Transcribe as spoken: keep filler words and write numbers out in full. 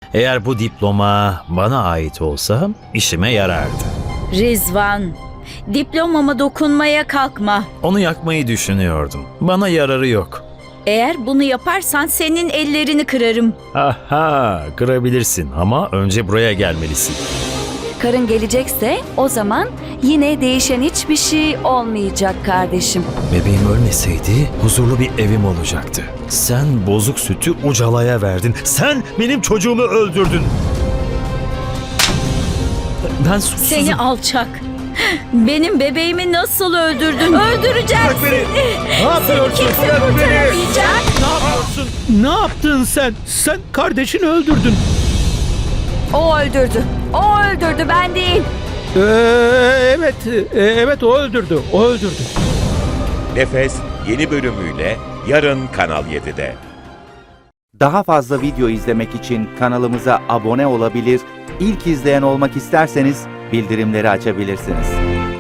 Eğer bu diploma bana ait olsa işime yarardı. Rizvan, diplomama dokunmaya kalkma. Onu yakmayı düşünüyordum. Bana yararı yok. Eğer bunu yaparsan senin ellerini kırarım. Aha, kırabilirsin ama önce buraya gelmelisin. Karın gelecekse o zaman yine değişen hiçbir şey olmayacak kardeşim. Bebeğim ölmeseydi huzurlu bir evim olacaktı. Sen bozuk sütü Ucala'ya verdin. Sen benim çocuğumu öldürdün. Ben suçsuzum. Seni alçak. Benim bebeğimi nasıl öldürdün? Öldüreceğim seni. Ne yapıyorsun? Kimse Bırak beni. kurtaramayacak. Ne yapıyorsun? Ne yaptın sen? Sen kardeşini öldürdün. O öldürdü. O öldürdü, ben değil. Ee, evet, e, evet o öldürdü. O öldürdü. Nefes yeni bölümüyle yarın Kanal yedide. Daha fazla video izlemek için kanalımıza abone olabilir, ilk izleyen olmak isterseniz bildirimleri açabilirsiniz.